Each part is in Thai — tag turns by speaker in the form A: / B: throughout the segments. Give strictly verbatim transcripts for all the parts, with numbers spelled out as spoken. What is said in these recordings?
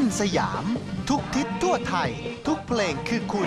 A: นสยามทุกทิศทั่วไทยทุกเพลงคือคุณ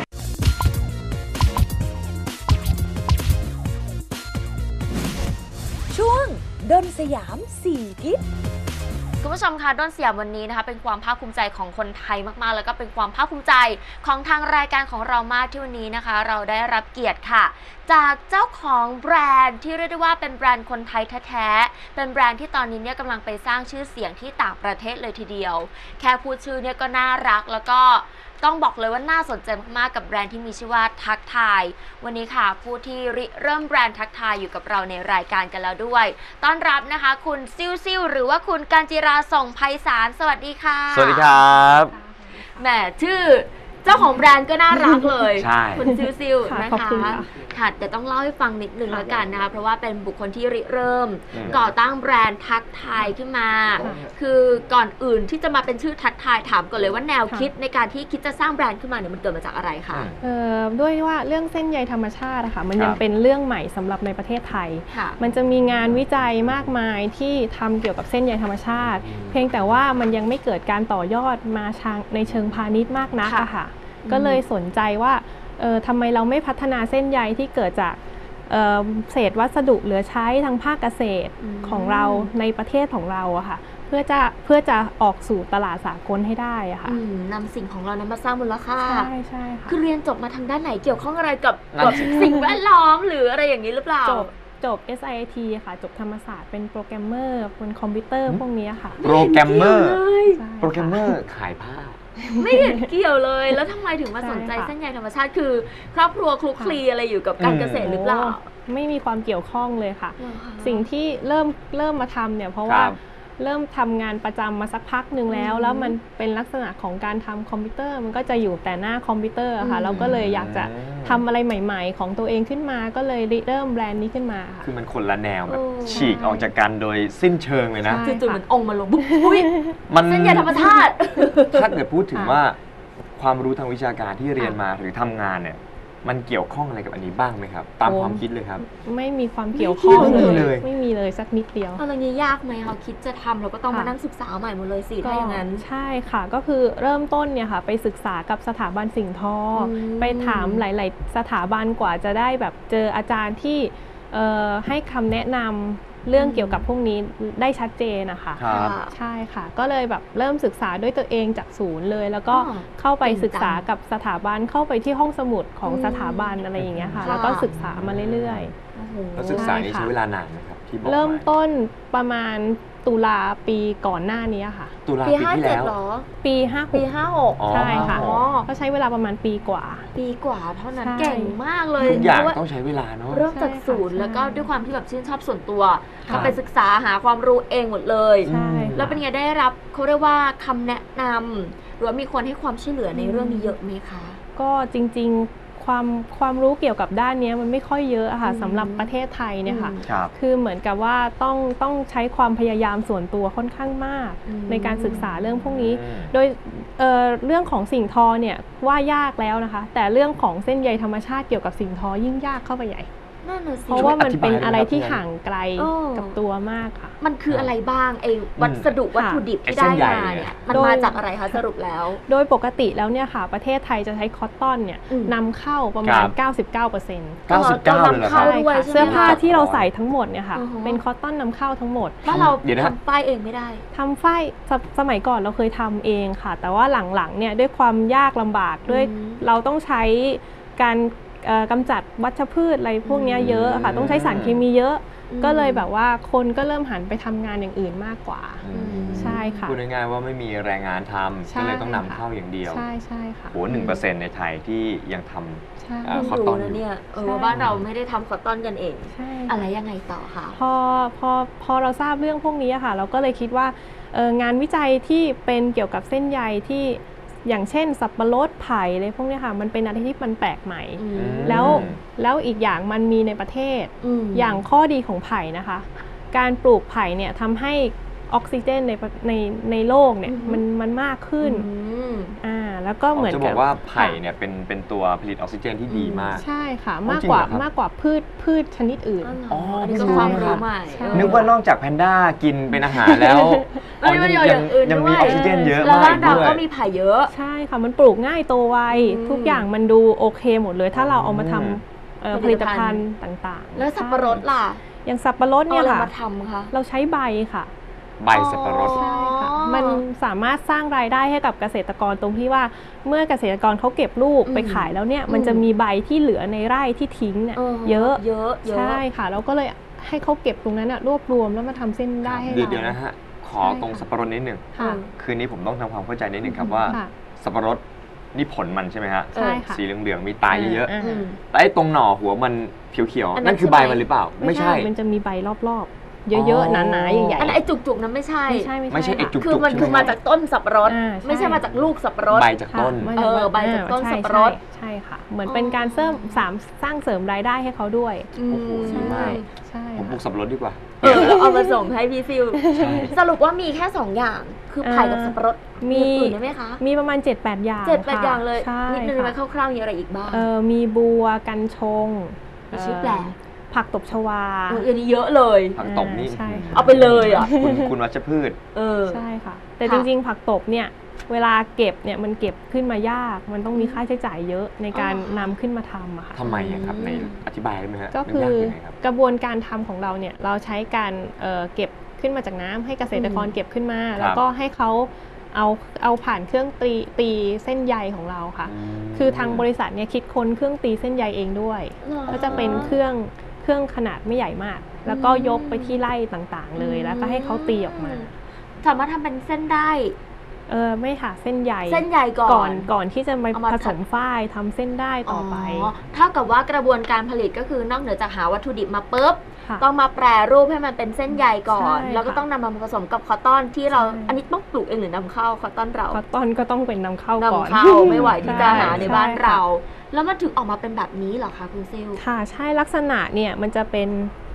B: ช่วงดนสยามสี่ทิศ
C: คุณผู้ชมคะด้นสยามวันนี้นะคะเป็นความภาคภูมิใจของคนไทยมากๆแล้วก็เป็นความภาคภูมิใจของทางรายการของเรามากที่วันนี้นะคะเราได้รับเกียรติค่ะจากเจ้าของแบรนด์ที่เรียกได้ว่าเป็นแบรนด์คนไทยแท้ๆเป็นแบรนด์ที่ตอนนี้เนี่ยกำลังไปสร้างชื่อเสียงที่ต่างประเทศเลยทีเดียวแค่พูดชื่อเนี่ยก็น่ารักแล้วก็ต้องบอกเลยว่าน่าสนใจมากๆกับแบรนด์ที่มีชื่อว่าทักทายวันนี้ค่ะผู้ที่ริเริ่มแบรนด์ทักทายอยู่กับเราในรายการกันแล้วด้วยต้อนรับนะคะคุณซิ่วซิ่วหรือว่าคุณกาญจิราส่งไพศาลสวัสดีค่ะ
D: สวัสดีครับ
C: แหมชื่อเจ้าของแบรนด์ก็น่ารักเลย
D: ใช่
C: คุณซิ่วซิ่วนะคะค่ะแต่ต้องเล่าให้ฟังนิดนึงแล้วกันนะคะเพราะว่าเป็นบุคคลที่ริเริ่มก่อตั้งแบรนด์ทักทายขึ้นมาคือก่อนอื่นที่จะมาเป็นชื่อทักทายถามก่อนเลยว่าแนวคิดในการที่คิดจะสร้างแบรนด์ขึ้นมาเนี่ยมันเกิดมาจากอะไรคะ
E: เอ่อด้วยว่าเรื่องเส้นใยธรรมชาติอะค่ะมันยังเป็นเรื่องใหม่สำหรับในประเทศไทยมันจะมีงานวิจัยมากมายที่ทำเกี่ยวกับเส้นใยธรรมชาติเพียงแต่ว่ามันยังไม่เกิดการต่อยอดมาในเชิงพาณิชย์มากนักอะค่ะก็เลยสนใจว่าเออทำไมเราไม่พัฒนาเส้นใยที่เกิดจากเเศษวัสดุเหลือใช้ทางภาคเกษตรของเราในประเทศของเราอะค่ะเพื่อจะเพื่อจะออกสู่ตลาดสากลให้ได้อะค่ะ
C: นำสิ่งของเรานั้นมาสร้างมูลค่า
E: ใช่ใช่ค่ะ
C: คือเรียนจบมาทางด้านไหนเกี่ยวข้องอะไรกับกับสิ่งแวดล้อมหรืออะไรอย่างนี้หรือเปล่า
E: จบจบ เอส ไอ ที ค่ะจบธรรมศาสตร์เป็นโปรแกรมเมอร์เป็นคอมพิวเตอร์พวกนี้ค่ะ
D: โปรแกรมเมอร์โปรแกรมเมอร์ขายผ้า
C: ไม่เห็นเกี่ยวเลยแล้วทำไมถึงมาสนใจเส้นใยธรรมชาติคือครอบครัวคลุกคลีอะไรอยู่กับการเกษตรหรือเปล่า
E: ไม่มีความเกี่ยวข้องเลยค่ะสิ่งที่เริ่มเริ่มมาทำเนี่ยเพราะว่าเริ่มทำงานประจำมาสักพักหนึ่งแล้วแล้วมันเป็นลักษณะของการทำคอมพิวเตอร์มันก็จะอยู่แต่หน้าคอมพิวเตอร์ค่ะเราก็เลยอยากจะทำอะไรใหม่ๆของตัวเองขึ้นมาก็เลยเริ่มแบรนด์นี้ขึ้นมาค่ะ
D: คือมันคนละแนวแบบฉีกออกจากกันโดยสิ้นเชิงเลยนะ
C: จู่ๆเหมือนองค์มาลงบุ๊บอุ้ยมันเส้นใยธรรมชาติ
D: ถ้าเกิดพูดถึงว่าความรู้ทางวิชาการที่เรียนมาหรือทำงานเนี่ยมันเกี่ยวข้องอะไรกับอันนี้บ้างไหมครับตามความคิดเลยครับ
E: ไม่มีความเกี่ยวข้องเลยไม่มีเลยสักนิดเดียว
C: อะไรนี้ยากไหมคะคิดจะทำเราก็ต้องมานั่งศึกษาใหม่หมดเลยสิถ้าอย่างนั้น
E: ใช่ค่ะก็คือเริ่มต้นเนี่ยค่ะไปศึกษากับสถาบันสิ่งทอไปถามหลายๆสถาบันกว่าจะได้แบบเจออาจารย์ที่ให้คำแนะนำเรื่องเกี่ยวกับพวกนี้ได้ชัดเจนนะคะใช่ค่ะก็เลยแบบเริ่มศึกษาด้วยตัวเองจากศูนย์เลยแล้วก็เข้าไปศึกษากับสถาบันเข้าไปที่ห้องสมุดของสถาบันอะไรอย่างเงี้ยค่ะแล้วก็ศึกษามาเรื่อย
D: ๆแล้วศึกษานี้ใช้เวลานานไหมครับที่บอก
E: เริ่มต้นประมาณตุลาปีก่อนหน้านี้ค่ะ
D: ตุลาปีที่แล้ว
E: ปีห้าหก
C: ปีห้าหก
E: ใช่ค่ะก็ใช้เวลาประมาณปีกว่า
C: ปีกว่าเท่านั้นเก่งมากเลย
D: ทุกอย่างต้องใช้เวลาเนาะ
C: เริ่มจากศูนย์แล้วก็ด้วยความที่แบบชื่นชอบส่วนตัวก็ไปศึกษาหาความรู้เองหมดเลยแล้วเป็นไงได้รับเขาเรียกว่าคำแนะนำหรือว่ามีคนให้ความช่วยเหลือในเรื่องนี้เยอะไหมคะ
E: ก็จริงๆความความรู้เกี่ยวกับด้านนี้มันไม่ค่อยเยอะค่ะสำหรับประเทศไทยเนี่ยค่ะคือเหมือนกับว่าต้องต้องใช้ความพยายามส่วนตัวค่อนข้างมากในการศึกษาเรื่องพวกนี้โดย เอ่อ เรื่องของสิ่งทอเนี่ยว่ายากแล้วนะคะแต่เรื่องของเส้นใยธรรมชาติเกี่ยวกับสิ่งทอยิ่งยากเข้าไปใหญ่เพราะว่ามันเป็นอะไรที่ห่างไกลกับตัวมากค่ะ
C: มันคืออะไรบ้างไอ้วัสดุวัตถุดิบที่ได้มาเนี่ยมันมาจากอะไรคะสรุปแล้ว
E: โดยปกติแล้วเนี่ยค่ะประเทศไทยจะใช้คอตตอนเนี่ยนำเข้าประมาณ เก้าสิบเก้าเปอร์เซ็นต์
D: เก้าสิบเก้า เลยเหรอครับ
E: เสื้อผ้าที่เราใส่ทั้งหมดเนี่ยค่ะเป็นคอตตอนนำเข้าทั้งหมด
C: แล้วเราทำฝ้ายเองไม่ได้
E: ทำฝ้ายสมัยก่อนเราเคยทำเองค่ะแต่ว่าหลังๆเนี่ยด้วยความยากลำบากด้วยเราต้องใช้การกำจัดวัชพืชอะไรพวกนี้เยอะค่ะต้องใช้สารเคมีเยอะก็เลยแบบว่าคนก็เริ่มหันไปทำงานอย่างอื่นมากกว่าใช่ค่ะ
D: พูดง่ายๆว่าไม่มีแรงงานทำก็เลยต้องนำเข้าอย่างเดียว
E: ใช่ใช่ค่ะ
D: โหหนึ่งเปอร์เซ็นต์ในไทยที่ยังทำคอตตอนอยู่
C: เนี่ยเออบ้านเราไม่ได้ทำคอตตอนกันเองอะไรยังไงต่อคะ
E: พอพอพอเราทราบเรื่องพวกนี้ค่ะเราก็เลยคิดว่างานวิจัยที่เป็นเกี่ยวกับเส้นใยที่อย่างเช่นสับปะรดไผ่อะไรพวกนี้ค่ะมันเป็นอะไรที่มันแปลกใหม่แล้วแล้วอีกอย่างมันมีในประเทศอย่างข้อดีของไผ่นะคะการปลูกไผ่เนี่ยทำให้ออกซิเจนในในในโลกเนี่ยมันมันมากขึ้นอ่าแล้วก็เหมือน
D: จะบอกว่าไผ่เนี่ยเป็นเป็นตัวผลิตออกซิเจนที่ดีมาก
E: ใช่ค่ะมากกว่ามากกว่าพืชพืชชนิดอื่น
C: อ๋ออันนี้ก็ความรู้ใหม่
D: นึกว่านอกจากแพนด้ากินเป็นอาหารแล้ว
C: ยัง
D: ยังมีออกซิเจนเยอะมากด้วย
C: แล้วก็มีไผ่เยอะ
E: ใช่ค่ะมันปลูกง่ายโตไวทุกอย่างมันดูโอเคหมดเลยถ้าเราเอามาทำผลิตภัณฑ์ต่างๆ
C: แล้วสับปะรดล่ะ
E: อย่างสับปะรดเนี่ยค่ะเราใช้ใบค่ะ
D: ใบสับปะรด
E: ใช่ค่ะมันสามารถสร้างรายได้ให้กับเกษตรกรตรงที่ว่าเมื่อเกษตรกรเขาเก็บลูกไปขายแล้วเนี่ยมันจะมีใบที่เหลือในไร่ที่ทิ้งเนี่ยเยอะ
C: เยอะ
E: ใช่ค่ะเราก็เลยให้เขาเก็บตรงนั้นรวบรวมแล้วมาทำเส้นได้ให้เรา
D: เดี๋ยวนะฮะขอตรงสับปะรดนิดหนึ่งคืนนี้ผมต้องทำความเข้าใจนิดหนึ่งครับว่าสับปะรดนี่ผลมันใช่ไหมฮะ
E: ใช่ค่ะ
D: สีเหลืองๆมีตายเยอะๆแต่ไอ้ตรงหน่อหัวมันเขียวๆนั่นคือใบมันหรือเปล่าไม่ใช่
E: มันจะมีใบรอบๆเยอะๆหนาๆใหญ่ๆ
C: อันไอ้จุกๆนั้นไม่ใช่
E: ไม่ใช่
D: ไม่ใช่ไอ้จุกๆ
C: คือมันคือมาจากต้นสับปะรดไม่ใช่มาจากลูกสับปะรด
D: ใบจากต้น
C: เออใบจากต้นสับปะรด
E: ใช่ค่ะเหมือนเป็นการเสริมสามสร้างเสริมรายได้ให้เขาด้วย
D: โอ้โหดีมากผมปลูกสับปะรดดีกว่า
C: เออแล้วเอามาส่งให้พี่ซิลสรุปว่ามีแค่สองอย่างคือไผ่กับสับปะรดมีอื่นได้ไหมคะ
E: มีประมาณ เจ็ดแปด อย่าง
C: เจ็ดแปด อย่างเลยนิดนึงไหมคร่าวๆมีอะไรอีกบ้าง
E: เออมีบัวกันชง
C: มีชื่อแปลก
E: ผักตบชวา
C: อันนี้เยอะเลย
D: ผักตบนี่
C: เอาไปเลยอ่ะ
D: คุณคุณวัชพืช
E: เออใช่ค่ะแต่จริงๆผักตบเนี่ยเวลาเก็บเนี่ยมันเก็บขึ้นมายากมันต้องมีค่าใช้จ่ายเยอะในการนำขึ้นมาทำอะค่ะ
D: ทำไมครับในอธิบายได้ไหมฮะ
E: ก็คือกระบวนการทำของเราเนี่ยเราใช้การเก็บขึ้นมาจากน้ำให้เกษตรกรเก็บขึ้นมาแล้วก็ให้เขาเอาเอาผ่านเครื่องตีตีเส้นใยของเราค่ะคือทางบริษัทเนี่ยคิดค้นเครื่องตีเส้นใยเองด้วยก็จะเป็นเครื่องเครื่องขนาดไม่ใหญ่มากแล้วก็ยกไปที่ไร่ต่างๆเลยแล้วก็ให้เขาตีออกมา
C: สามารถทำเป็นเส้นได้
E: เออไม่ค่ะเส้นใย
C: เส้นใยก่อน
E: ก่อนก่อนที่จะมาผสมฝ้ายทำเส้นได้ต่อไป
C: เท่ากับว่ากระบวนการผลิตก็คือนอกเหนือจากหาวัตถุดิบมาปุ๊บต้องมาแปรรูปให้มันเป็นเส้นใยก่อนแล้วก็ต้องนำมาผสมกับคอตตอนที่เราอันนี้ต้องปลูกเองหรือนำเข้าคอตตอนเรา
E: คอตตอนก็ต้องเป็นนำเข้าก่อน
C: นำเข้าไม่ไหวที่จะหาในบ้านเราแล้วมันถึงออกมาเป็นแบบนี้เหรอคะคุณซิล
E: ค่ะใช่ลักษณะเนี่ยมันจะเป็น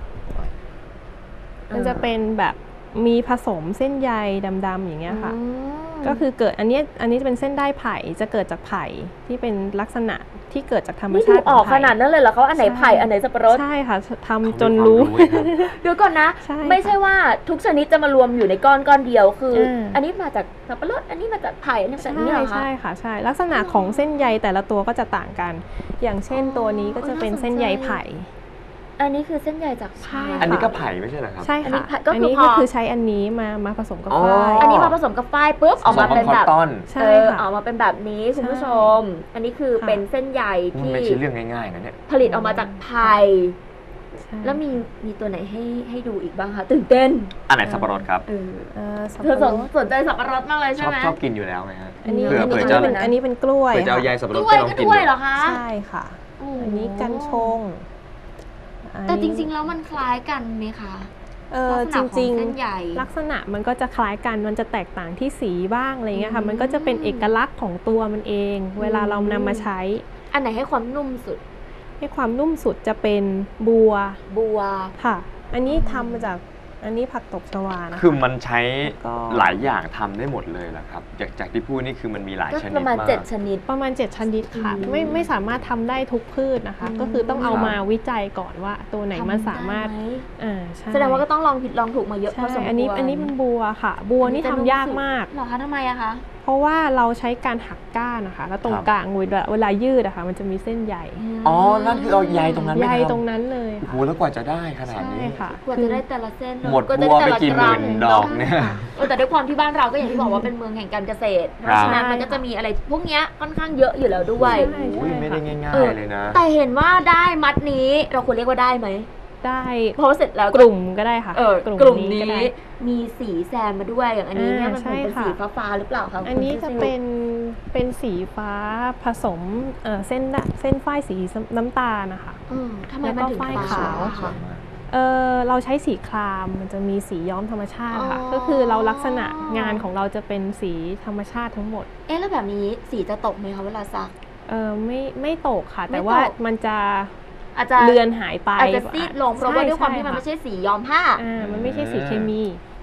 E: มันจะเป็นแบบมีผสมเส้นใยดำๆอย่างเงี้ยค่ะก็คือเกิดอันนี้อันนี้จะเป็นเส้นได้ไผ่จะเกิดจากไผ่ที่เป็นลักษณะที่เกิดจากธรรมชาติ
C: ออกขนาดนั้นเลยเหรอเขาอันไหนไผ่อันไหนสับปะรด
E: ใช่ค่ะทำจนรู้
C: เดี๋ยวก่อนนะไม่ใช่ว่าทุกชนิดจะมารวมอยู่ในก้อนก้อนเดียวคืออันนี้มาจากสับปะรดอันนี้มาจากไผ่อันนี้จากนี้เหรอคะ
E: ใช่ค่ะใช่ลักษณะของเส้นใยแต่ละตัวก็จะต่างกันอย่างเช่นตัวนี้ก็จะเป็นเส้นใยไผ่
C: อันนี้คือเส้นใยจากไผ่
D: อันนี้ก็ไผ่ไม่ใช่เหรอครับ
E: ใช่ค่ะอันนี้ก็คือใช้อันนี้มามาผสมกับฝ้าย
C: อันนี้มาผสมกับฝ้ายปุ๊บออกมาเป็นแบบ
E: ใช่ค่ะ
C: ออกมาเป็นแบบนี้คุณผู้ชมอันนี้คือเป็นเส้นใยที่
D: ไม่ใช่เรื่องง่ายๆนะเนี่ย
C: ผลิตออกมาจากไผ่แล้วมีมีตัวไหนให้ให้ดูอีกบ้างคะตื่นเต้น
D: อันไหนสับปะรดครับ
C: เธอสนใจสับปะรดมากเลยใช่ไหม
D: ชอบกินอยู่แล้วไหมฮะ
E: อันนี้อันนี้เป็นอันนี้เป็นกล้วย
D: เผื่อจะเอาใยสับปะรด
C: ไปลองกินด้วยเหรอคะ
E: ใช่ค่ะอันนี้กันชง
C: แต่จริงๆแล้วมันคล้ายกันไหมคะ
E: เออจริงๆลักษณะมันก็จะคล้ายกันมันจะแตกต่างที่สีบ้างอะไรเงี้ยค่ะมันก็จะเป็นเอกลักษณ์ของตัวมันเองเวลาเรานำมาใช้
C: อันไหนให้ความนุ่มสุด
E: ให้ความนุ่มสุดจะเป็นบัว
C: บัว
E: ค่ะอันนี้ทำมาจากอันนี้ผักตบชวานะ
D: คือมันใช้หลายอย่างทำได้หมดเลยแหละครับจากจากที่พูดนี่คือมันมีหลายชนิดมาก
C: ประมาณเจ็ดชนิด
E: ประมาณเจ็ดชนิดค่ะไม่ไม่สามารถทำได้ทุกพืชนะคะก็คือต้องเอามาวิจัยก่อนว่าตัวไหนมันสามารถ
C: อ่าแสดงว่าก็ต้องลองผิดลองถูกมาเยอะพอสมควร
E: อันนี้อันนี้เป็นบัวค่ะบัวนี่ทำยากมาก
C: เหรอคะทำไมอะคะ
E: เพราะว่าเราใช้การหักก้านนะคะแล้วตรงกลางเวลายืดอะค่ะมันจะมีเส้นใย
D: อ๋อนั่นคือเอาใยตรงนั้น
E: ใยตรงนั้นเลย
D: โอ้โหแล้วกว่าจะได้ขนาดนี้
E: ค่ะ
C: กว่าจะได้แต่ละเส้น
D: หมดบัวไปกี่หมื่นดอกเนี่ย
C: แต่ด้วยความที่บ้านเราก็อย่างที่บอกว่าเป็นเมืองแห่งการเกษตรเพราะฉะนั้นมันก็จะมีอะไรพวกนี้ค่อนข้างเยอะอยู่แล้วด้วย
D: โอ้ยไม่ได้ง่ายๆเลยนะ
C: แต่เห็นว่าได้มัดนี้เราควรเรียกว่าได้ไหม
E: ได้
C: เพราะเสร็จแล้ว
E: กลุ่มก็ได้ค่ะ
C: กลุ่มนี้มีสีแซมมาด้วยอย่างอันนี้เนี่ยมันเป็นสีฟ้าๆหรือเปล่าคะ
E: อันนี้จะเป็นเป็นสีฟ้าผสมเส้นเส้นฝ้ายสีน้ำตาลนะคะ
C: ทำไมมันถึง
E: ฝ้ายขาวเออเราใช้สีครามมันจะมีสีย้อมธรรมชาติค่ะก็คือเราลักษณะงานของเราจะเป็นสีธรรมชาติทั้งหมด
C: เอ๊ะแล้วแบบนี้สีจะตกไหมคะเวลาซัก
E: เออไม่ไม่ตกค่ะแต่ว่ามันจะ
C: อาจจะ
E: เลือนหายไป
C: อาจจะซีดลงเพราะว่าด้วยความที่มันไม่ใช่สีย้อมผ้า
E: อ่ามันไม่ใช่สีเคมี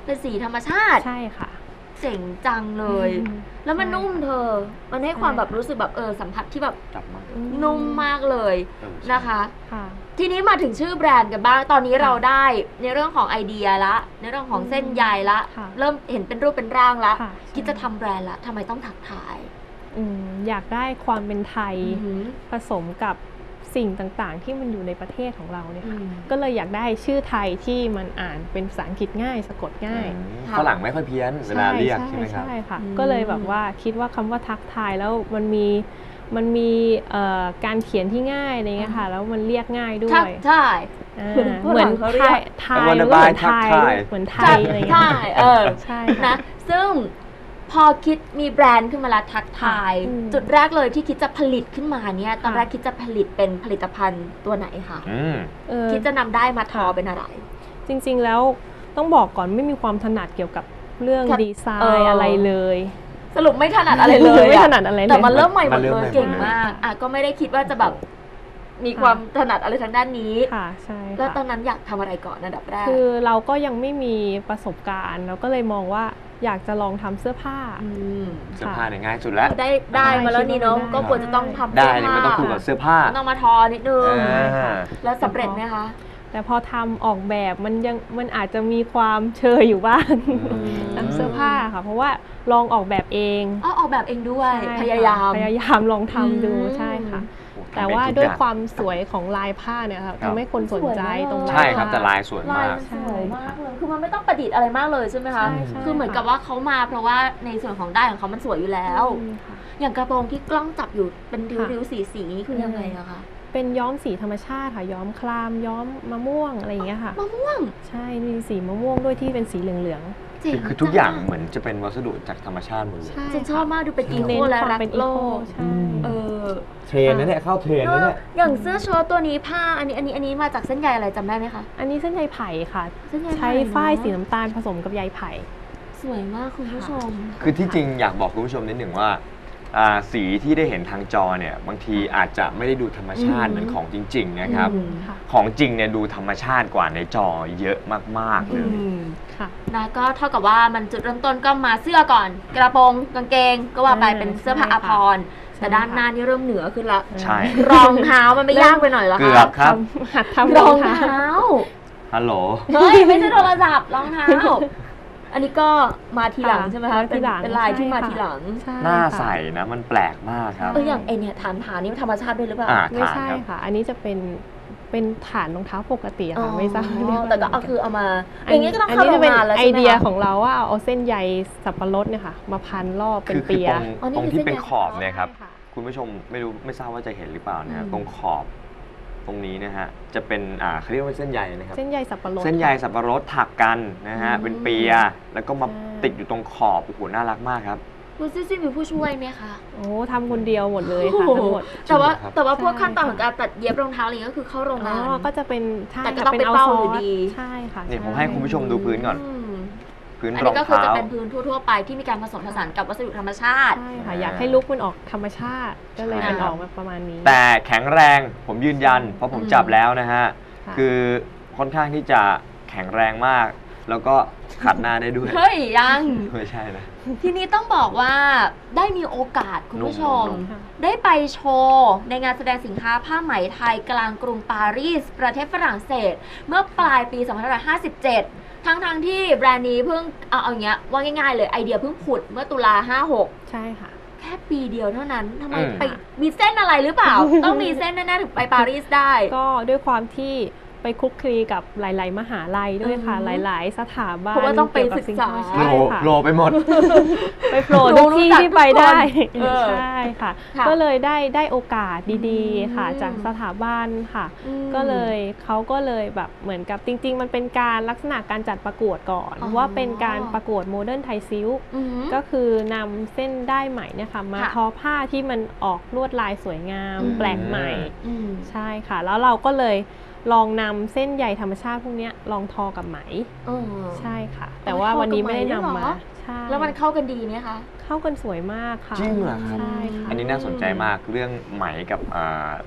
C: เป็นสีธรรมชาติ
E: ใช่ค่ะ
C: เจ๋งจังเลย
E: อืม
C: แล้วมันนุ่มเธอ มันให้ความแบบรู้สึกแบบเออสัมผัสที่แบบ
D: จับมาก
C: นุ่มมากเลย
D: เออใช่
C: นะคะ
E: ค่ะ
C: ทีนี้มาถึงชื่อแบรนด์กันบ้าง ตอนนี้เราได้ในเรื่องของไอเดียละ ในเรื่องของเส้นใยละ
E: ค่ะ
C: เริ่มเห็นเป็นรูปเป็นร่างละ
E: ค่ะ
C: คิดจะทำแบรนด์ละทำไมต้องถักทาย
E: อืมอยากได้ความเป็นไทย
C: อือหือ
E: ผสมกับสิ่งต่างๆ ที่มันอยู่ในประเทศของเราเนี่ยค่ะ
C: อืม
E: ก็เลยอยากได้ชื่อไทยที่มันอ่านเป็นภาษาอังกฤษง่ายสะกดง่าย
D: อืม
C: ค่ะ
D: ฝรั่งไม่ค่อยเพี้ยนเวลาเรียกใช่ไหมครับ
E: ใช่ค่ะ
C: อืม
E: ก็เลยแบบว่าคิดว่าคำว่าทักทายแล้วมันมีมันมีเอ่อการเขียนที่ง่ายอะไรเงี้ยค่ะ แล้วมันเรียกง่ายด้ว
C: ทัก
E: ย
C: ทาย
E: อ่า
C: ฝรั่ง
E: เหมือน
C: เขาเรี
E: ไท
C: ยก
E: ยไทย
D: I wanna
E: มันก็เหมือน
D: buy ทัก
E: ไทย
D: ทาย
E: เหมือนไท
C: ทั
E: ย
C: ก
E: อะไร
C: ทา
E: เงี้ย
C: ยเออ
E: ใช่
C: นะ ซึ่งพอคิดมีแบรนด์ขึ้นมาแล้วทักทาย
E: อืม
C: จุดแรกเลยที่คิดจะผลิตขึ้นมาเนี่ย ตอน
E: ค่ะ
C: แรกคิดจะผลิตเป็นผลิตภัณฑ์ตัวไหนคะ
D: อืม
E: เออ
C: คิดจะนำได้มาทอเป็นอะไร
E: จริงๆแล้วต้องบอกก่อนไม่มีความถนัดเกี่ยวกับเรื่อง
C: ค่ะ
E: ดีไซ
C: เอออ
E: น์อะไรเลย
C: สรุปไม่ถนัดอะไรเลย
E: ไม่
C: อะ
E: ถนัดอะไรเลย
C: แต่มันเริ่มใหม่หม
D: มั
C: ด
D: นเริ่
C: เล
D: ม
C: ย
D: ใหม่
C: เก่งมากอ่ะก็ไม่ได้คิดว่าจะแบบมีความถนัดอะไรทางด้านนี้
E: ค่ะใช่
C: แล้วตอ
E: ค่ะ
C: นนั้นอยากทำอะไรก่อนอันดับแรก
E: คือเราก็ยังไม่มีประสบการณ์เราก็เลยมองว่าอยากจะลองทำเสื้อผ้า
C: ม
D: เสื้อผ้าเนี่ยง่ายสุดแล้ว
C: ได้ได้มาแล้วนี่เนาะ
E: ได้
C: ก็ควรจะต้องทำ
D: ได้
C: เสื้อ
D: เนี่ย
C: ผ้า
D: ไม่ต้องคู่กับเสื้อผ้า
C: ต้องมาทอนิดนึง
D: อ่า
C: แล้วสำเร็จไหมคะ
E: แต่พอทำออกแบบมันยังมันอาจจะมีความเชยอยู่บ้าง
D: อืม
E: ทำเสื้อผ้าค่ะ เพราะว่าลองออกแบบเอง
C: อ๋อออกแบบเองด้วย
E: ใช่
C: พยายาม
E: ค่ะพยายามลองทำดู
C: อืม
E: ใช่ค่ะ
D: โอ้
E: แต่
D: ทำเอง
E: ว่า
D: ทุก
E: ด้วย
D: อง
E: ความสวยของลายผ้าเนี่ยค่ะ
D: ครับ
E: ทำให้คนสนใจตรงลาย
D: ใช่ครับ
E: ผ้า
D: แต่ลายสวย
C: ลาย
D: มาก
C: มันสวยมากเลย คือมันไม่ต้องประดิษฐ์อะไรมากเลยใช่ไหมคะ
E: ใช่ใช่
C: คือเหมือนกับว่าเขามาเพราะว่าในส่วนของได้ายของเขามันสวยอยู่แล้ว
E: อืมค่ะ
C: อย่างกระโปรงที่กล้องจับอยู่เป็นริ้ว
E: ค่ะ
C: ริ้วสีสีๆนี่คือยังไงอะคะ
E: เป็นย้อมสีธรรมชาติค่ะ ย้อมคลามย้อมมะม่วงอะไรอย่างเงี้ยค่ะ
C: มะม่วง
E: ใช่มีสีมะม่วงด้วยที่เป็นสีเหลือง
C: เจ๋ง
D: คือคือทุกอย่างเหมือนจะเป็นวัสดุจากธรรมชาติหมดเลย
E: ๆใช่
C: ฉันชอบมากดูเป็นอี
E: เน้
C: โคน และ
E: ความ
C: รัก
E: เป็นอี
C: โล
E: โค
C: ก
E: ใช่
C: เออ
D: เทรนนะเนี่ยเข้าเทรนนะเนี่ย
C: อย่างเสื้อเชิ้ตตัวนี้ผ้าอันนี้อันนี้อันนี้มาจากเส้นใยอะไรจำได้ไหมคะ
E: อันนี้เส้นใยไผ่ค่ะ
C: เส้นใย
E: ใช้
C: ไผ่เนอะ
E: ฝ้ายสีน้ำตาลผสมกับใยไผ่
C: สวยมากคุณผู้ชม
D: คือที่จริงอยากบอกคุณผู้ชมนิดหนึ่งว่าอ่าสีที่ได้เห็นทางจอเนี่ยบางทีอาจจะไม่ได้ดูธรรมชาติ
C: อืม
D: เหมือนของจริง ๆ นะครับ
C: อืม
E: ค่ะ
D: ของจริงเนี่ยดูธรรมชาติกว่าในจอเยอะมากๆเล
C: อื
D: ย
C: ม
E: ค่ะ
C: นะก็เท่ากับว่ามันจุดเริ่มต้นก็มาเสื้อก่อน กระโปรงกางเกง ก็ว่าไป
E: อ่า
C: เป็นเสื้อผ้า
E: ใช่
C: อา
E: ค่ะ
C: ภรณ์แต่
E: ใช่
C: ด้าน
E: ค่ะ
C: หน้านี่เริ่มเหนือขึ้นละ
D: ใช่
C: รองเท้ามันไม่ยากไปหน่อยเหรอ
D: เกื
C: คะ
D: อบครับ
E: ทำหัดทำ
C: ร
E: ร
C: อ
E: อง ง
C: เท้า
E: เท้า
D: ฮัลโหล
C: เฮ้ยไม่ใช่โทรศัพท์รองเท้า อันนี้ก็มาทีหลัง
E: ค่ะ
C: ใช่ไหมคะ
E: มาทีหลัง
C: เป็นเป็นลายที่
E: ใช่
C: มา
E: ค่ะ
C: ทีหลัง
E: ใช่
D: หน้า
E: ค่ะ
D: ใสนะมันแปลกมากครับ
C: เอออย่างไอเนี่ยฐานฐานนี่มันธรรมชาติด้วยหรือเปล่า
D: อ่า
E: ไม่ใช่
D: ฐานครับ
E: ค่ะ อันนี้จะเป็นเป็นฐานรองเท้าปกติอะ
C: อ๋อ
E: ค่ะไม่ทราบเรียว่า
C: แต่ก็เอาคือเอามาอย่างนี้ก็ต้อง
E: อัน
C: เข้า
E: นี้
C: โร
E: จะ
C: ง
E: เป็น
C: งานแล้ว
E: ไอ
C: ใช่ไหม
E: เดีย
C: คะ
E: ของเราว่าเอาเส้นใยสับปะรดเนี่ยค่ะ มาพันรอบเป็น
D: คือคือ
E: เปีย
D: ตรง
C: อ๋อนี่
D: ตรง
C: คือ
D: ที่
C: เส้น
D: เป็น
C: ใย
D: ขอบเนี่ยครับ
E: ใช่ค่ะ
D: คุณผู้ชมไม่รู้ไม่ทราบว่าจะเห็นหรือเปล่านะฮะ
C: อืม
D: ตรงขอบตรงนี้นะฮะจะเป็นอ่าเขาเรียกว่าเส้นใยนะครับ
E: เส้นใยสับปะรด
D: เส้นใยสับปะรดถักกันนะฮะ
C: อืม
D: เป็นเปียแล้วก็มา
E: ใช่
D: ติดอยู่ตรงขอบโอ้โหน่ารักมากครับ
C: คุณซิซี่มีผู้ช่วยไหมคะ
E: โอ้ทำคนเดียวหมดเลยค่ะทั้งหมด
C: แต่ว่า
D: จริงเหรอครับ
C: แต่ว่าพวก
E: ใช่
C: ขั้นตอนของการตัดเย็บรองเท้าอะไรอย่างเงี้ยก็คือเข้าโรง
E: อ๋
C: งาน
E: อก็จะเป็นใช่
C: แต่ก็
E: ค่ะ
C: ต้องเป็น
E: เอา
C: เป้า
E: ซ
C: อยู่
E: อส
C: ดี
E: ใช่ค่ะ
D: เนี่ย
E: ช่
D: ผมให้คุณผู้ชมดูพื้นก่อน
C: อืม
D: พื้น
C: อัน
D: รอ
C: นี้
D: ง
C: ก็คือ
D: เท้า
C: จะเป็นพื้นทั่วๆไปที่มีการผสมผสานกับวัสดุธรรมชาติ
E: ใช่ค่ะ
D: อ่า
E: อยากให้ลุคมันออกธรรมชาติ ก็เลย
C: ใช่
E: เป็นออกมาประมาณนี้
D: แต่แข็งแรงผมยืนยัน เพราะผม
C: อืม
D: จับแล้วนะฮะ
E: ค่ะ
D: คือค่อนข้างที่จะแข็งแรงมาก แล้วก็ขัดหน้าได้ด้วย
C: เฮ้ยยัง
D: ไม่ใช่นะ
C: ทีนี้ต้องบอกว่าได้มีโอกาสคุณผู้ชม
D: นุ่ม
E: ค่ะ
C: ได้ไปโชว์ในงานแสดงสินค้าผ้าไหมไทยกลางกรุงปารีส ประเทศฝรั่งเศส เมื่อปลายปี สองพันห้าร้อยห้าสิบเจ็ด ทั้งทางๆที่แบรนด์นี้เพิ่งเอาเอาอย่างเงี้ยว่าง่ายๆเลยไอเดียเพิ่งผุดเมื่อตุลาห้าหก
E: ใช่ค่ะ
C: แค่ปีเดียวเท่านั้นทำไม
D: อืม
C: ไปมีเส้นอะไรหรือเปล่า ต้องมีเส้นแน่ๆถึงไปปารีสได้
E: ก็ด้วยความที่ไปคลุกคลีกับหลาย ๆ มหาลัยด้วยค่ะ
C: อืม
E: หลาย ๆ สถาบัน
C: เพราะว่าต้องไป
E: เกี่ยวกับ
C: ศึกษา
E: ใช่
D: โล
E: ค่ะ
D: โลไปหมด
E: ไปโผล่ทุกที่ที่ไปได้
C: เออ
E: ใช่ค่ะ
C: ค่ะ
E: ก็เลยได้ได้โอกาสดี
C: อืม
E: ๆ ค่ะ จากสถาบันค่ะ
C: อืม
E: ก็เลยเขาก็เลยแบบเหมือนกับจริง ๆ มันเป็นการลักษณะการจัดประกวดก่อน
C: อ๋อ
E: ว่าเป็นการประกวดโมเดิร์นไทยซิล
C: อืม
E: ก็คือนำเส้นได้ไหมเนี่ยค่ะมา
C: ค่ะ
E: ทอผ้าที่มันออกลวดลายสวยงาม
C: อืม
E: แปลกใหม่
C: อืม
E: ใช่ค่ะ แล้วเราก็เลยลองนำเส้นใยธรรมชาติพวกเนี้ยลองทอกับไหม
C: อ๋อ
E: ใช่ค่ะ แต่ว่าวันนี้ไม่ได้นำมาใช่
C: แล้วมันเข้ากันดีไหมคะ
E: เข้ากันสวยมากค่ะ
D: จริงเหรอครับ
E: ใช่ค่ะ
D: อันนี้น่าสนใจมากเรื่องไหมกับอ่า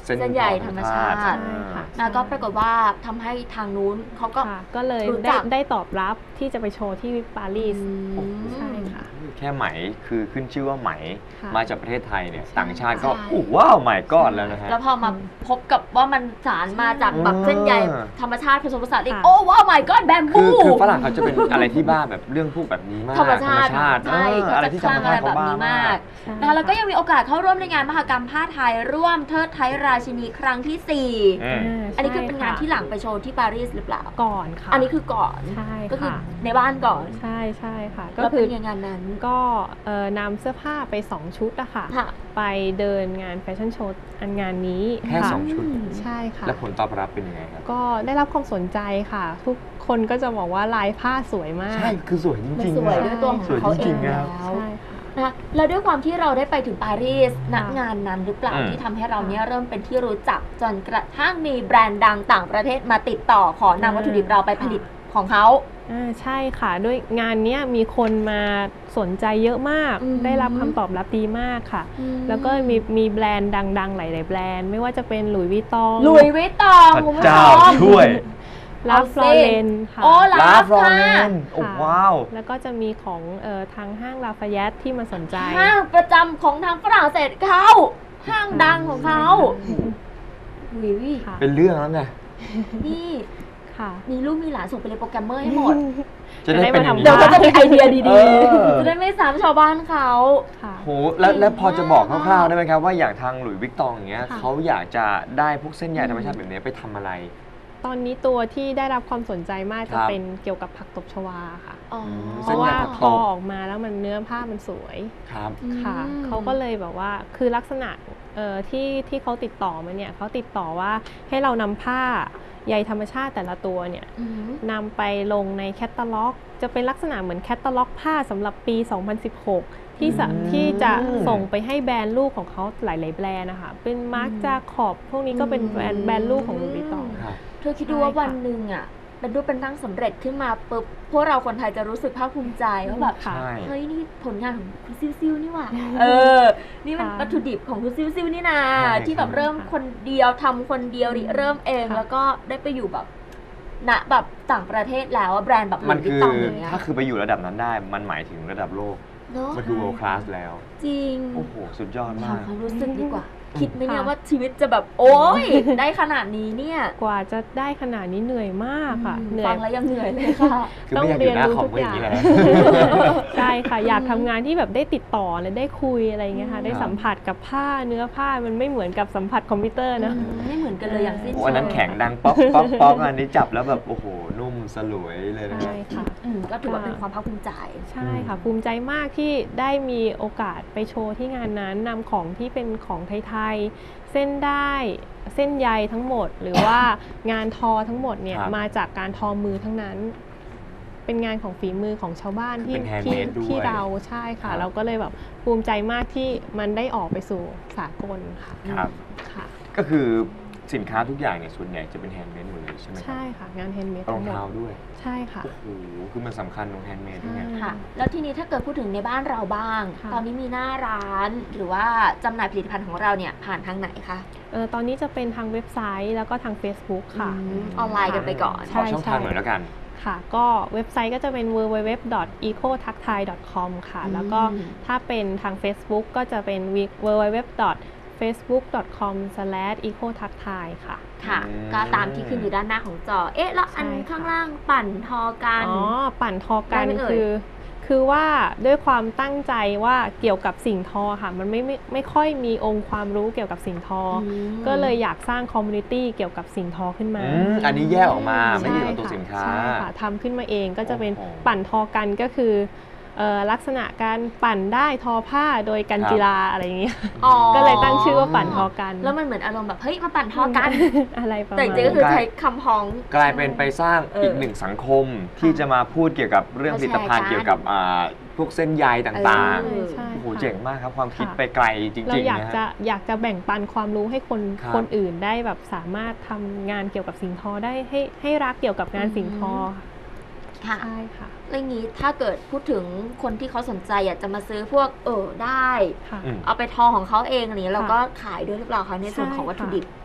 D: เส้น
C: เส้นใยธรรมชาติ
E: ใช่ค่ะ
C: แล้วก็ปรากฏว่าทำให้ทางนู้นเขาก็
E: ค่ะก็เลย
C: รู้จั
E: ได้
C: ก
E: ได้ตอบรับที่จะไปโชว์ที่ปารีส
C: อืม
E: ใช่ค่ะ
D: แค่ไหมคือขึ้นชื่อว่าไหม
E: ค่ะ
D: มาจากประเทศไทยเนี่ย
C: ใช่
D: ต่างชาติก็
C: ใช่
D: อู้ว้าวใหม่ก้อนแล้วนะฮะ
C: แล้วพอมาพบกับว่ามันสารมาจากแบบเส้นใย
D: เออ
C: ธรรมชาติผสมผสานอีก
E: ค่ะ
C: โอ้ว้าว my god แบม
D: คื
C: บู
D: อคือฝรั่งเขาจะเป็นอะไรที่บ้าแบบเรื่องพวกแบบนี้มาก
C: ธรรมชาติ
D: ธรรมชาติ
C: ใช่
D: เออ
C: เขา
D: อะไร
C: จะ
D: ที่
C: ค
D: ธร
C: ลั่
D: รง ม
C: อะไร
D: ชาติ
C: แบ
D: เขา
C: บ
D: บ้า
C: นี้
D: มาม
C: าก ก
E: ใช่
C: นะคะแล้วก็
E: ค่ะ
C: ยังมีโอกาสเข้าร่วมในงานมหกรรมผ้าไทยร่วมเทิดไทยราชินีครั้งที่สี่
D: อืม
E: า
C: อันนี้คือเป็นงาน
E: ใช่
C: ที่หลังไปโชว์ที่ปารีสหรือเปล่า
E: ก่อนค่ะ
C: อันนี้คือก่อน
E: ใช่
C: ก็คือ
E: ค่ะ
C: ในบ้านก่อน
E: ใช่ใช่ค่ะ ก็
C: แล้ว
E: คื
C: เป็
E: อน
C: ยังไงงานนั้น
E: ก็เอ่อนำเสื้อผ้าไปสองชุดอะค่ะ
C: ค่ะ
E: ไปเดินงานแฟชั่นโชว์อันงานนี้
D: แค่
E: ค่ะ
D: สองชุด
E: ใช่ค่ะ
D: แล้วผลตอบรับเป็นยังไงครับ
E: ก็ได้รับความสนใจค่ะ ทุกคนก็จะบอกว่าลายผ้าสวยมาก
D: ใช่ คือสวยจ
C: มัน
D: ริง
C: ส
D: ๆ
C: วย
D: อะ
C: ด้วยตัวของ
D: สวย
C: เขา
D: จ
C: เอ
D: ริ
C: ง
D: งๆ
C: แล้
D: ครับ
C: ว
E: ใช่ค่ะ
C: นะคะแล้วด้วยความที่เราได้ไปถึงปารีสณ
E: ค่ะ
C: งานนั้นหรือเปล่า
D: อืม
C: ที่ทำให้เราเนี่ยเริ่มเป็นที่รู้จักจนกระทั่งมีแบรนด์ดังต่างประเทศมาติดต่อขอนำวัตถุดิบเราไปผลิตของเขา
E: อ่าใช่ค่ะด้วยงานเนี้ยมีคนมาสนใจเยอะมาก
C: อืม
E: ได้รับคำตอบรับดีมากค่ะ แล้วก็มีมีแบรนด์ดังๆ หลายๆแบรนด์ ไม่ว่าจะเป็นหลุยส์วิตตอง
C: ลุยวิตตอง
D: พระ
C: คุณผู้ช
D: เจ้าม ช่วย
E: ลาฟลอเรนค่ะ
C: โอ้ลา
D: ลา
C: ฟ
D: ฟรอ
C: ค่ะ
D: เลนโอ้
E: ค่ะ
D: ว้าว
E: แล้วก็จะมีของเอ่อทางห้างลาฟายตที่มาสนใจ
C: ห้างประจำของทางฝรั่งเศสเขาห้างดังของเขาวิว
E: ค่ะ
D: เป็นเรื่องแล้วไง
C: นี่
E: ค่ะ
C: มีลูกมีหลานส่งไปเรียนโปรแกรมเมอร์ให้หมด
D: จะได้เป็นอย่างนี้
C: เดี๋ยวก็จะมีไอเดีย
D: เอ
C: ดี
D: อ
C: ๆ จะได้ไม่ซ้ำชาวบ้านเขา
E: ค่ะ
D: โหแล้วแล้วพอจะบอกค
C: เก่งมาก
D: ร่าวๆได้ไหมครับว่าอย่างทางหลุยส์วิกตองอย่างเงี้ย
E: ค่ะ
D: เขาอยากจะได้พวกเส้นใยธรรมชาติแบบนี้ไปทำอะไร
E: ตอนนี้ตัวที่ได้รับความสนใจมาก
D: ค
E: จะ
D: รับ
E: เป็นเกี่ยวกับผักตบชวาค่ะ
C: อ๋อ
E: เพ
D: เส้น
E: ราะ
D: ใย
E: ว่า
D: ผัก
E: พ
D: ต
E: อบ ออกมาแล้วมันเนื้อผ้ามันสวย
D: ครับ
E: ค่ะ
C: อืม
E: เขาก็เลยแบบว่าคือลักษณะเอ่อที่ที่เขาติดต่อมาเนี่ยเขาติดต่อว่าให้เรานำผ้าใยธรรมชาติแต่ละตัวเนี่ย
C: อืม
E: นำไปลงในแคตตาล็อก จะเป็นลักษณะเหมือนแคตตาล็อกผ้าสำหรับปี สองพันสิบหก ที่สะ
D: อืม
E: ที่จะส่งไปให้แบรนด์ลูกของเขาหลาย ๆ แบรนด์นะคะเป็นมาร์คจาขอบพวกนี้ก็เป็นแบรนด์แบรนด์ลูกของลูบิตอง
D: ครับ
C: เธอคิดดูว่าวันหนึ่งอ่ะเป็นรูปเป็นร่างสำเร็จขึ้นมาปุ๊บพวกเราคนไทยจะรู้สึกภาคภูมิใจว่าแบบ
E: ค่ะ
D: ใช่
C: เฮ้ยนี่ผลงานของคุณซิวซิวนี่หว่าเออ นี่มัน
E: ค่ะ
C: วัตถุดิบของคุณซิวซิวนี่นา
D: ใช่
C: ที่แบบเริ่มคนเดียวทำคนเดียวริเริ่มเอง
E: ค่ะ
C: แล้วก็ได้ไปอยู่แบบณแบบต่างประเทศแล้วอะแบรนด์แบบ
D: มัน
C: หลุยส์วิ
D: คื
C: ต
D: อ
C: ตองอย่างเงี้ย
D: ถ้าคือไปอยู่ระดับนั้นได้ มันหมายถึงระดับโลก
C: เนาะ
D: มันคือ world class แล้ว
C: จริง
D: โอ้โห สุดยอด
C: ถาม
D: มาก
C: ความรู้สึกดีกว่า คิดไหมเนี่ย
E: ค่ะ
C: ว่าชีวิตจะแบบโอ๊ย ได้ขนาดนี้เนี่ย
E: กว่าจะได้ขนาดนี้เหนื่อยมากค่ะ เหนื่อ
C: ฟั
E: ย
C: งแล้วยังเหนื่อยเลยค่ะ
D: คือไม่อยากอยู่หน้าคอมก็อย่างนี้แหละ
E: ใช่ค่ะ อยากทำงานที่แบบได้ติดต่อและได้คุยอะไรอย่างเงี้ยค่ะ ได้สัมผัสกับผ้าเนื้อผ้ามันไม่เหมือนกับสัมผัสคอมพิวเตอร์นะ
C: ไม่เหมือนกันเลยอย่างสิ้น
D: โอ้
C: เชิง
D: อันนั้นแข็งดังป๊อกป๊อกป๊อกอันนี้จับแล้วแบบ โอ้โห นุ่มสลวยเลยนะ
E: ใช่ค่ะ
C: อืมก็ถือว่าเป็นความภาคภูมิใจ
E: ใช่ค่ะ ภูมิใจมากที่ได้มีโอกาสไปโชว์ที่งานนั้นนำของที่เป็นของไทยๆเส้นได้เส้นใยทั้งหมด หรือว่างานทอทั้งหมดเนี่ย
D: ครับ
E: มาจากการทอมือทั้งนั้น เป็นงานของฝีมือของชาวบ้านที่
D: เป็น
E: ที่
D: handmade ด้วย
E: ที่เราใช่ค่ะ
D: ครับ
E: เราก็เลยแบบภูมิใจมากที่มันได้ออกไปสู่สากลค่ะ
D: ครับ
E: ค่ะ
D: ก็คือสินค้าทุกอย่างเนี่ยส่วนใหญ่จะเป็นแฮนด์เมดหมดเลยใช่ไหมครั
E: ใช่ค่ะ งานแฮนด์เมด
D: รอ
E: ทั้
D: ง
E: งหมด
D: เท้าด้วย
E: ใช่ค่ะ
D: โอ้โห คือมันสำคัญตรงแฮนด์เมดด้วยไง
E: ใช่
C: ค่ะ แล้วทีนี้ถ้าเกิดพูดถึงในบ้านเราบ้าง
E: ค่ะ
C: ตอนนี้มีหน้าร้านหรือว่าจำหน่ายผลิตภัณฑ์ของเราเนี่ยผ่านทางไหนคะ
E: เออตอนนี้จะเป็นทางเว็บไซต์แล้วก็ทาง Facebook ค่ะ
C: อืมออนไลน์กันไปก่อน
E: ใช่
D: ขอช่องทางหน่อยแล้วกัน
E: ค่ะ ก็เว็บไซต์ก็จะเป็น ดับเบิลยู ดับเบิลยู ดับเบิลยู ดอท อีโคทักไทย ดอท คอม ค่ะ
C: อืม
E: แล้วก็ถ้าเป็นทาง Facebook ก็จะเป็น ดับเบิลยู ดับเบิลยู ดับเบิลยู ดอท เฟซบุ๊ก ดอท คอม สแลช อีโคทักไทย ค่ะ
C: ค่ะ
D: อืม
C: ก็ตามที่ขึ้นอยู่ด้านหน้าของจอ เอ๊ะ แล้วอัน
E: ใช่ค่ะ
C: ข้างล่างปั่นทอกัน
E: อ๋อ ปั่นทอกัน
C: ได้ไหมเอ่ย
E: คือ คือว่าด้วยความตั้งใจว่าเกี่ยวกับสิ่งทอค่ะ มันไม่ไม่ไม่ค่อยมีองค์ความรู้เกี่ยวกับสิ่งทออ
C: ม
E: ก็เลยอยากสร้างคอมมูนิตี้เกี่ยวกับสิ่งทอขึ้นมา
D: อืมอันนี้แยกออกมาไม่ได้อยู่กับตัวสินค้า
E: ใช่ค่ะทำขึ้นมาเองก็จะเป็น
D: โอ้โห
E: ปั่นทอกันก็คือเอ่อลักษณะการปั่นได้ทอผ้าโดยกัน
D: ครับ
E: กีฬาอะไรอย่างเงี้ย
C: อ๋อ
E: ก็เลยตั้งชื่อว่าปั่นทอกัน
C: แล้วมันเหมือนอารมณ์แบบ เฮ้ย มาปั่นทอกัน
E: อะไรประ
C: แต่
E: มาณ
C: จริงๆก็คือ
D: กลาย
C: ใช้คำพ้อง
D: กลายเป็นไปสร้าง
C: เอออี
D: อีกหนึ่งสังคมที่จะมาพูดเกี่ยวกับเรื่องผลิตภัณฑ์
C: มาแชร์กัน
D: เกี่ยวกับอ่าพวกเส้นใยต่าง
C: เออ
E: ใช่
D: ๆ โอ้โห
E: ค่ะ
D: เจ๋งมากครับ ความคิด
E: ค่ะ
D: ไปไกลจริง
E: เรา
D: ๆ
E: อยาก
D: นะ
E: จะ
D: ฮะ
E: อยากจะแบ่งปันความรู้ให้คน
D: ครับ
E: คนอื่นได้แบบสามารถทำงานเกี่ยวกับสิ่งทอได้ให้ให้รักเกี่ยวกับงานสิ่งทอค่ะ
C: ค่ะ
E: ใช่ค่ะ
C: เรื่องนี้ถ้าเกิดพูดถึงคนที่เขาสนใจอยากจะมาซื้อพวกเออได้
E: ค่ะ
D: อืม
C: เอาไปทอของเขาเองอะไรอย่างนี้
E: ค่ะ
C: เราก็ขายด้วยหรือเปล่าคะในส่วนของ
E: ใช่
C: วัตถุดิบ
E: ค่ะ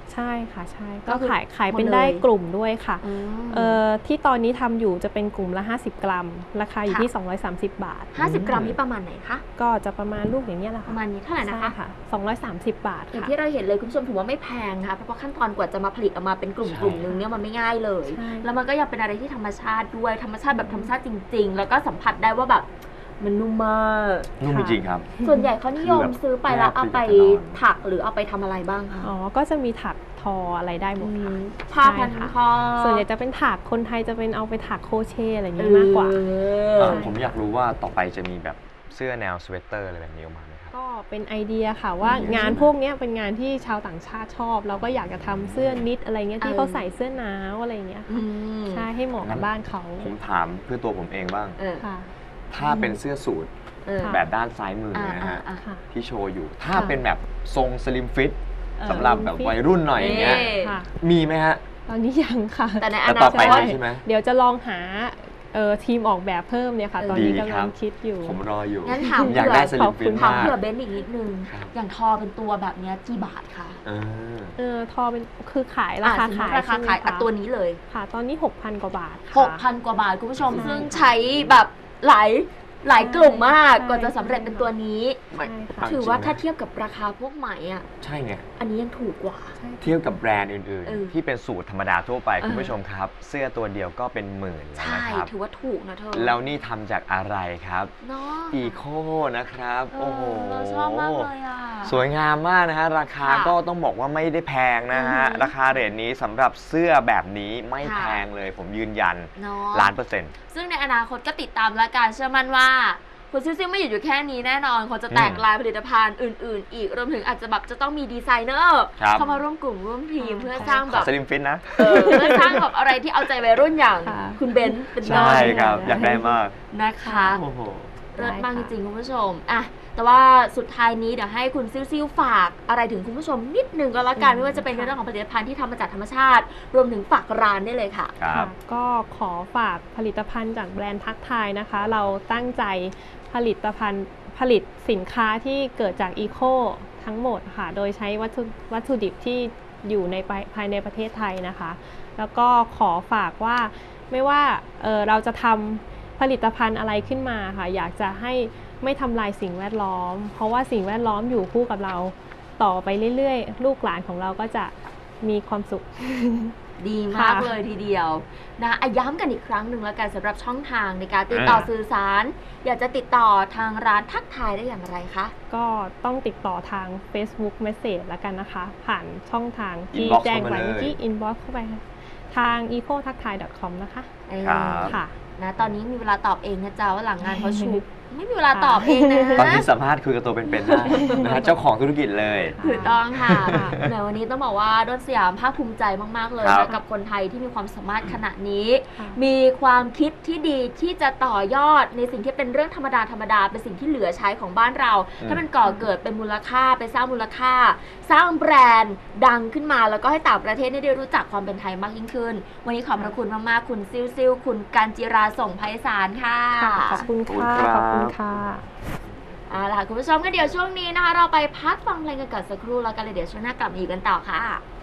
E: ใช่ค่ะใช่
C: ก็
E: ก็
C: คือ
E: ขายขายเป็น
C: หมดเลย
E: ได้กลุ่มด้วยค่ะ
C: อืม
E: เอ่อที่ตอนนี้ทำอยู่จะเป็นกลุ่มละห้าสิบกรัม ราคาอยู่
C: ค่ะ
E: ที่สองร้อยสามสิบ บาท
C: ห้าสิบกรัมนี่ประมาณไหนคะ
E: ก็จะประมาณลูกอย่างนี้ยแหละ
C: ป
E: ค่ะ
C: ระมาณนี้เท่าไหร่นะคะ
E: ใช่ค่ะสองร้อยสามสิบ บาท
C: อย่าง
E: ค่ะ
C: ที่เราเห็นเลยคุณผู้ชมถือว่าไม่แพงค่ะเพราะว่าขั้นตอนกว่าจะมาผลิตออกมาเป็นกลุ่ม
D: ใช่
C: กลุ่มนึงเนี่ยมันไม่ง่ายเลย
E: ใช่
C: แล้วมันก็ยังเป็นอะไรที่ธรรมชาติด้วยธรรมชาติแบบธรรมชาติจริง ๆ แล้วก็สัมผัสได้ว่าแบบมันนุ่มมาก
D: นุ่มจริงๆครับ
C: ส่วนใหญ่เขานิยม
D: คือแบบ
C: ซื้อไปแล้วเอาไป
D: แนบติดกับกระดอน
C: ถักหรือเอาไปทำอะไรบ้างคะ
E: อ๋อ ก็จะมีถักทออะไรได้หมดค่ะ
C: ผ้าพัน
E: ใช่ค่ะ
C: คอ
E: ส่วนใหญ่จะเป็นถักคนไทยจะเป็นเอาไปถักโครเชต์อะไรอย่างนี้มากกว่า
C: เอ
D: เอ่
C: อ
D: อผมอยากรู้ว่าต่อไปจะมีแบบเสื้อแนวสเวตเตอร์อะไรแบบนี้ออกมาไหมครับ
E: ก็เป็นไอเดียค่ะว่างานพวกเนี้ยเป็นงานที่ชาวต่างชาติชอบ เราก็อยากจะทำเสื้อนิดอะไรเงี้ยที่
C: เออ
E: เขาใส่เสื้อหนาวอะไรเงี้ย
C: อื
E: ค่ะ
C: ม
E: ใช่ให้เหมาะกับบ้านเขา
D: ผมถามเพื่อตัวผมเองบ้าง
C: เออ
E: ค่ะ
D: ถ้าเป็นเสื้อสูท
C: เออ
E: ค่ะ
D: แบบด้านซ้ายมือ
C: อ่า
D: นะ
C: อ่า
D: ฮะ
C: อ่า
E: ค่ะ
D: ที่โชว์อยู่ ถ้า
C: ค่ะ
D: เป็นแบบทรงสลิมฟิต
E: เอ่อ
D: สำหรับแบบวัยรุ่นหน่อยอย่างเงี้ย
C: เอ๊ะ
E: ค่ะ
D: มีไหมฮะ
E: ตอนนี้ยังค่ะ
C: แต่ในอ
D: แต่
C: นา
D: ต่อ
C: ค
D: ไป
C: ต
D: มีใช่ไหม
E: เดี๋ยวจะลองหาเอ่อทีมออกแบบเพิ่มเนี่ยค่ะ ตอนนี้
D: ดี
E: กำ
D: ครั
E: ลั
D: บ
E: งคิดอยู่
D: ผมรออยู่
C: งั้นถาม
D: ผมอยากได้ส
C: เผื่
D: ลิ
C: อ
D: มฟิต
E: ขอบคุณ
C: ถาม
D: มาก
C: เผื่อเบนซ์อีกนิดนึง
D: ครับ
C: อย่างทอเป็นตัวแบบเนี้ยกี่บาทคะ
D: เออ
E: เออทอเป็นคือขายราคา
C: อ่ะสมมุ
E: ขาย
C: ติราคา
E: ใช่ไหม
C: ขายอ่ะ
E: คะ
C: ตัวนี้เลย
E: ค่ะ ตอนนี้ หกพัน กว่าบาท
C: ห
E: ค่ะ
C: กพันกว่าบาทคุณผู้ชม
E: ใช่
C: ซึ่งใช้แบบหลายหลายกลุ่มมาก
E: ใช่
C: กว่าจะสำเร็จเป็นตัวนี้
D: ไม่
E: ใช่ค่ะ
D: เจริง
C: ถือว่า
D: นะ
C: ถ้าเทียบกับราคาพวกไหมอ่ะ
D: ใช่ไง
C: อันนี้ยังถูกกว่า
D: เทียบกับแบรนด์อื่น
C: เออ
D: ๆ ที่เป็นสูตรธรรมดาทั่วไป
C: เออ
D: คุณผู้ชมครับ เสื้อตัวเดียวก็เป็นหมื่นแล้ว
C: ใช่
D: นะครับ
C: ถือว่าถูกนะเธอ
D: แล้วนี่ทำจากอะไรครับ
C: เนาะ
D: อีโคนะครับ
C: เอ
D: โอ้โห
C: อเราชอบมากเลยอ่ะ
D: สวยงามมากนะฮะ ราคา
C: ค่ะ
D: ก็ต้องบอกว่าไม่ได้แพงนะฮะ
C: อือหือ
D: ราคาเรทนี้สำหรับเสื้อแบบนี้ไม่
C: ค่ะ
D: แพงเลย ผมยืนยัน
C: เนาะ
D: ล้านเปอร์เซ็นต์
C: ซึ่งในอนาคตก็ติดตามและการเชื่อมั่นว่าคุณซิ่วซิ่วไม่หยุดอยู่แค่นี้แน่นอนเขาจะแตก
D: อืม
C: ลายผลิตภัณฑ์อื่น ๆ อีกรวมถึงอาจจะแบบจะต้องมีดีไซเนอร์
D: ครับ
C: เข้ามาร่วมกลุ่มร่วมทีม
E: อ๋อ
C: เพื่อสร้าง
D: ข
C: แบ
D: อบ สลิมฟิตนะ
C: เออเพื่อสร้างแบบอะไรที่เอาใจวัยรุ่นอย่าง
E: ค่ะ
C: คุณเบนซ์เป็นต้
D: ใช่
C: น
D: ครับ อยากได้มาก
C: นะคะ
D: โอ้โห
C: เลิศมากจ
E: ได้ค่ะ
C: ริงๆคุณผู้ชมอ่ะแต่ว่าสุดท้ายนี้เดี๋ยวให้คุณซิ่วซิ่วฝากอะไรถึงคุณผู้ชมนิดนึงก็แล้วกันไม่ว่าจะเป็นในเรื่องของผลิตภัณฑ์ที่ทำมาจากธรรมชาติ รวมถึงฝากร้านได้เลยค่ะ
D: ครับ
E: ก็ขอฝากผลิตภัณฑ์จากแบรนด์ทักทายนะคะ เราตั้งใจผลิตภัณฑ์ผลิตสินค้าที่เกิดจากอีโคทั้งหมดค่ะ โดยใช้วัตถุวัตถุดิบที่อยู่ในภายภายในประเทศไทยนะคะ แล้วก็ขอฝากว่าไม่ว่าเอ่อเราจะทำผลิตภัณฑ์อะไรขึ้นมาค่ะ อยากจะให้ไม่ทำลายสิ่งแวดล้อม เพราะว่าสิ่งแวดล้อมอยู่คู่กับเราต่อไปเรื่อยๆ ลูกหลานของเราก็จะมีความสุข
C: ดีมาก
E: ค่ะ
C: เลยทีเดียวนะอ่ะย้ำกันอีกครั้งหนึ่งแล้วกันสำหรับช่องทางในการติดต่อ
D: อ่า
C: สื่อสาร อยากจะติดต่อทางร้านทักทายได้อย่างไรคะ
E: ก็ต้องติดต่อทาง Facebook Message แล้วกันนะคะ ผ่านช่องทางที่
D: Inbox
E: แจ้งไว้
D: เข้ามาเลย
E: ที่ inbox เข้าไปค่ะทาง อีโคทักทาย ดอท คอม นะคะ
C: เออ
D: ครับ
E: ค่ะ
C: นะตอนนี้มีเวลาตอบเองนะจ๊ะว่าหลังงานเขาชุก ไม่มีเวลาตอบเองนะ
D: ตอนนี้สามารถคุยกับตัวเป็นๆได้นะฮะเจ้าของธุรกิจเลย
C: ถูกต้องค่ะในวันนี้ต้องบอกว่าด้นสยามภาคภูมิใจมากๆเลย
D: ครั
C: นะ
D: บ
C: กับคนไทยที่มีความสามารถขนาดนี้
E: ค่ะ
C: มีความคิดที่ดีที่จะต่อยอดในสิ่งที่เป็นเรื่องธรรมดาธรรมดาเป็นสิ่งที่เหลือใช้ของบ้านเรา
D: อืม
C: ถ้ามันก่อเกิดเป็นมูลค่าไปสร้างมูลค่า สร้างแบรนด์ดังขึ้นมาแล้วก็ให้ต่างประเทศได้รู้จักความเป็นไทยมากยิ่งขึ้น วันนี้ขอบพระคุณมากๆคุณซิวซิวคุณการจิราส่งไพศาลค่ะ
E: ขอบคุณค่ะ
D: ข
E: ข
D: อ
E: อ
D: บบ คุ
E: คุณ ณ
D: ครั
E: ค่ะ
D: บ
C: เอาล่ะคุณผู้ชมก็เดี๋ยวช่วงนี้นะคะ เราไปพักฟังเพลงกันก่อนสักครู่แล้วกันเลยเดี๋ยวช่วงหน้ากลับมาอีกกันต่อค่ะ